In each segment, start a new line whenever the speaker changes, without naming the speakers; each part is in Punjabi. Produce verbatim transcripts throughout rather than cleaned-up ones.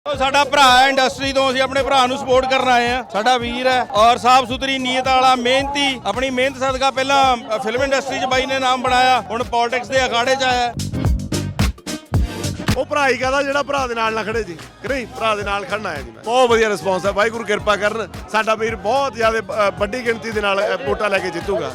ਸਾਡਾ ਭਰਾ ਹੈ ਇੰਡਸਟਰੀ ਤੋਂ, ਅਸੀਂ ਆਪਣੇ ਭਰਾ ਨੂੰ ਸਪੋਰਟ ਕਰਨ ਆਏ ਆ। ਸਾਡਾ ਵੀਰ ਹੈ ਔਰ ਸਾਫ ਸੁਥਰੀ ਨੀਅਤ ਵਾਲਾ, ਮਿਹਨਤੀ, ਆਪਣੀ ਮਿਹਨਤ ਸਦਕਾ ਪਹਿਲਾਂ ਫਿਲਮ ਇੰਡਸਟਰੀ 'ਚ ਬਾਈ ਨੇ ਨਾਮ ਬਣਾਇਆ, ਹੁਣ ਪੋਲਿਟਿਕਸ ਦੇ ਅਖਾੜੇ 'ਚ ਆਇਆ।
ਉਹ ਭਰਾ ਹੀ ਕਹਦਾ ਜਿਹੜਾ ਭਰਾ ਦੇ ਨਾਲ ਨਾ ਖੜੇ ਜੀ, ਕਿ ਨਹੀਂ? ਭਰਾ ਦੇ ਨਾਲ ਖੜਨਾ ਹੈ ਜੀ। ਮੈਂ ਬਹੁਤ ਵਧੀਆ ਰਿਸਪੌਂਸ ਹੈ, ਵਾਹਿਗੁਰੂ ਕਿਰਪਾ ਕਰਨ। ਸਾਡਾ ਵੀਰ ਬਹੁਤ ਜ਼ਿਆਦਾ ਵੱਡੀ ਗਿਣਤੀ ਦੇ ਨਾਲ ਵੋਟਾਂ ਲੈ ਕੇ ਜਿੱਤੂਗਾ।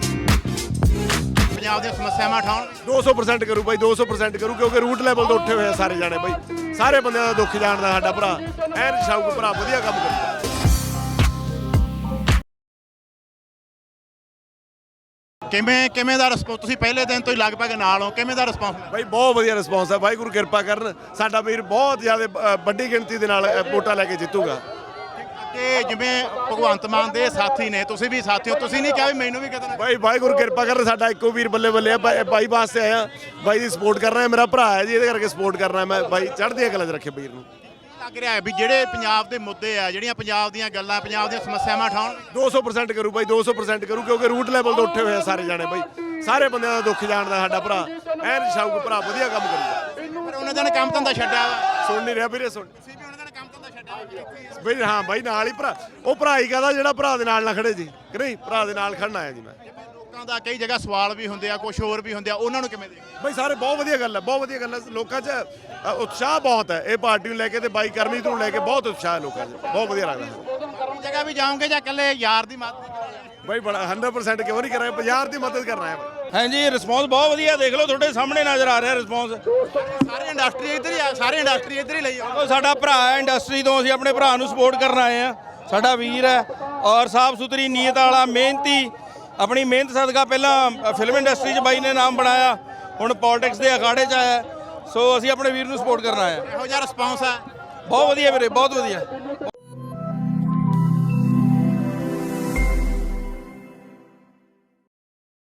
ਪੰਜਾਬ ਦੀਆਂ ਸਮੱਸਿਆਵਾਂ ਉਠਾਉਣ
ਦੋ ਸੌ ਪਰਸੈਂਟ ਕਰੂ ਬਾਈ, ਦੋ ਸੌ ਪਰਸੈਂਟ ਕਰੂ, ਕਿਉਂਕਿ ਰੂਟ ਲੈਵਲ ਤੋਂ ਉੱਠੇ ਹੋਏ ਆ ਸਾਰੇ ਜਾਣੇ ਬਾਈ। ਸਾਰੇ ਬੰਦਿਆਂ ਦਾ ਦੁੱਖ ਜਾਣਦਾ ਸਾਡਾ ਭਰਾ, ਐਨ ਸ਼ੌਕ ਭਰਾ, ਵਧੀਆ ਕੰਮ ਕਰਦਾ।
ਕਿਵੇਂ ਕਿਵੇਂ ਦਾ ਰਿਸਪੌਂਸ? ਤੁਸੀਂ ਪਹਿਲੇ ਦਿਨ ਤੋਂ ਹੀ ਲਗਭਗ ਨਾਲ ਹੋ, ਕਿਵੇਂ ਦਾ ਰਿਸਪੌਂਸ?
ਬਾਈ ਬਹੁਤ ਵਧੀਆ ਰਿਸਪੌਂਸ ਹੈ, ਵਾਹਿਗੁਰੂ ਕਿਰਪਾ ਕਰਨ। ਸਾਡਾ ਵੀਰ ਬਹੁਤ ਜ਼ਿਆਦਾ ਵੱਡੀ ਗਿਣਤੀ ਦੇ ਨਾਲ ਵੋਟਾਂ ਲੈ ਕੇ ਜਿੱਤੂਗਾ।
ਕਿ ਜਿਵੇਂ ਭਗਵੰਤ ਮਾਨ ਦੇ ਸਾਥੀ ਨੇ, ਤੁਸੀਂ ਵੀ ਸਾਥੀ ਹੋ, ਤੁਸੀਂ ਨਹੀਂ ਕਿਹਾ ਵੀ ਮੈਨੂੰ ਵੀ ਕਿਤੇ
ਬਾਈ ਵਾਹਿਗੁਰੂ ਕਿਰਪਾ ਕਰਨ। ਸਾਡਾ ਇੱਕੋ ਵੀਰ ਬੱਲੇ ਬੱਲੇ ਆ, ਬਾਈ ਵਾਸਤੇ ਆਇਆ, ਬਾਈ ਦੀ ਸਪੋਰਟ ਕਰ ਰਿਹਾ। ਮੇਰਾ ਭਰਾ ਹੈ ਜੀ, ਇਹਦੇ ਕਰਕੇ ਸਪੋਰਟ ਕਰਨਾ ਮੈਂ। ਬਾਈ ਚੜ੍ਹਦੀਆਂ ਕਲਾਂ 'ਚ ਰੱਖੇ ਵੀਰ ਨੂੰ।
ਲੱਗ ਰਿਹਾ ਹੈ ਵੀ ਜਿਹੜੇ ਪੰਜਾਬ ਦੇ ਮੁੱਦੇ ਆ, ਜਿਹੜੀਆਂ ਪੰਜਾਬ ਦੀਆਂ ਗੱਲਾਂ, ਪੰਜਾਬ ਦੀਆਂ ਸਮੱਸਿਆਵਾਂ ਉਠਾਉਣ
ਦੋ ਸੌ ਪਰਸੈਂਟ ਕਰੂ ਬਾਈ, ਦੋ ਸੌ ਪਰਸੈਂਟ ਕਰੂ, ਕਿਉਂਕਿ ਰੂਟ ਲੈਵਲ ਤੋਂ ਉੱਠੇ ਹੋਏ ਆ ਸਾਰੇ ਜਾਣੇ ਬਾਈ। ਸਾਰੇ ਬੰਦਿਆਂ ਦਾ ਦੁੱਖ ਜਾਣਦਾ ਸਾਡਾ ਭਰਾ, ਐਨ ਸ਼ੌਕ ਭਰਾ, ਵਧੀਆ ਕੰਮ ਕਰੂਗਾ।
ਪਰ ਉਹਨਾਂ ਦਾ ਕੰਮ ਧੰਦਾ ਛੱਡਿਆ ਵਾ,
ਸੁਣ ਨਹੀਂ ਰਿਹਾ ਵੀਰੇ, ਸੁਣ
ਤੁਸੀਂ ਵੀ ਉਹਨਾਂ ਦਾ ਕੰਮ ਧੰਦਾ ਛੱਡਿਆ
ਬਈ। ਹਾਂ ਬਾਈ ਨਾਲ ਹੀ ਭਰਾ, ਉਹ ਭਰਾ ਹੀ ਕਹਦਾ ਜਿਹੜਾ ਭਰਾ ਦੇ ਨਾਲ ਨਾ ਖੜੇ ਜੀ, ਕਿ ਨਹੀਂ? ਭਰਾ ਦੇ ਨਾਲ ਖੜਨਾ ਹੈ ਜੀ। ਮੈਂ
ਲੋਕਾਂ ਦਾ ਕਈ ਜਗ੍ਹਾ ਸਵਾਲ ਵੀ ਹੁੰਦੇ ਆ, ਕੁਝ ਹੋਰ ਵੀ ਹੁੰਦੇ ਆ, ਉਹਨਾਂ ਨੂੰ ਕਿਵੇਂ ਦੇਖਦੇ?
ਬਈ ਸਾਰੇ ਬਹੁਤ ਵਧੀਆ ਗੱਲ ਹੈ, ਬਹੁਤ ਵਧੀਆ ਗੱਲ ਹੈ। ਲੋਕਾਂ 'ਚ ਅ, ਉਤਸ਼ਾਹ ਬਹੁਤ ਹੈ ਇਹ ਪਾਰਟੀ ਨੂੰ ਲੈ ਕੇ, ਤੇ ਬਾਈ ਕਰਮਜੀਤ ਨੂੰ ਲੈ ਕੇ ਬਹੁਤ ਉਤਸ਼ਾਹ ਹੈ ਲੋਕਾਂ 'ਚ, ਬਹੁਤ ਵਧੀਆ ਲੱਗਦਾ।
ਜਗ੍ਹਾ ਵੀ ਜਾਓਗੇ ਜਾਂ ਇਕੱਲੇ ਯਾਰ ਦੀ ਮਦਦ
ਬਾਈ ਬੜਾ ਸੌ ਪਰਸੈਂਟ ਕਿਉਂ ਨਹੀਂ ਕਰਾਂਗੇ, ਬਾਜ਼ਾਰ ਦੀ ਮਦਦ ਕਰਨਾ ਹੈ।
ਹਾਂਜੀ, ਰਿਸਪੌਂਸ ਬਹੁਤ ਵਧੀਆ, ਦੇਖ ਲਓ ਤੁਹਾਡੇ ਸਾਹਮਣੇ ਨਜ਼ਰ ਆ ਰਿਹਾ ਰਿਸਪੌਂਸ।
ਸਾਰੇ ਇੰਡਸਟਰੀ ਇੱਧਰ ਹੀ ਆ, ਸਾਰੇ ਇੰਡਸਟਰੀ ਇੱਧਰ ਹੀ ਲਈ ਆ।
ਸਾਡਾ ਭਰਾ ਹੈ ਇੰਡਸਟਰੀ ਤੋਂ, ਅਸੀਂ ਆਪਣੇ ਭਰਾ ਨੂੰ ਸਪੋਰਟ ਕਰਨ ਆਏ ਆ। ਸਾਡਾ ਵੀਰ ਹੈ ਔਰ ਸਾਫ ਸੁਥਰੀ ਨੀਅਤ ਵਾਲਾ, ਮਿਹਨਤੀ, ਆਪਣੀ ਮਿਹਨਤ ਸਦਕਾ ਪਹਿਲਾਂ ਫਿਲਮ ਇੰਡਸਟਰੀ 'ਚ ਬਾਈ ਨੇ ਨਾਮ ਬਣਾਇਆ, ਹੁਣ ਪੋਲਿਟਿਕਸ ਦੇ ਅਖਾੜੇ 'ਚ ਆਇਆ। ਸੋ ਅਸੀਂ ਆਪਣੇ ਵੀਰ ਨੂੰ ਸਪੋਰਟ ਕਰਨ ਆਏ ਆ।
ਇਹੋ ਜਿਹਾ ਰਿਸਪੌਂਸ ਆ।
ਬਹੁਤ ਵਧੀਆ ਵੀਰੇ, ਬਹੁਤ ਵਧੀਆ।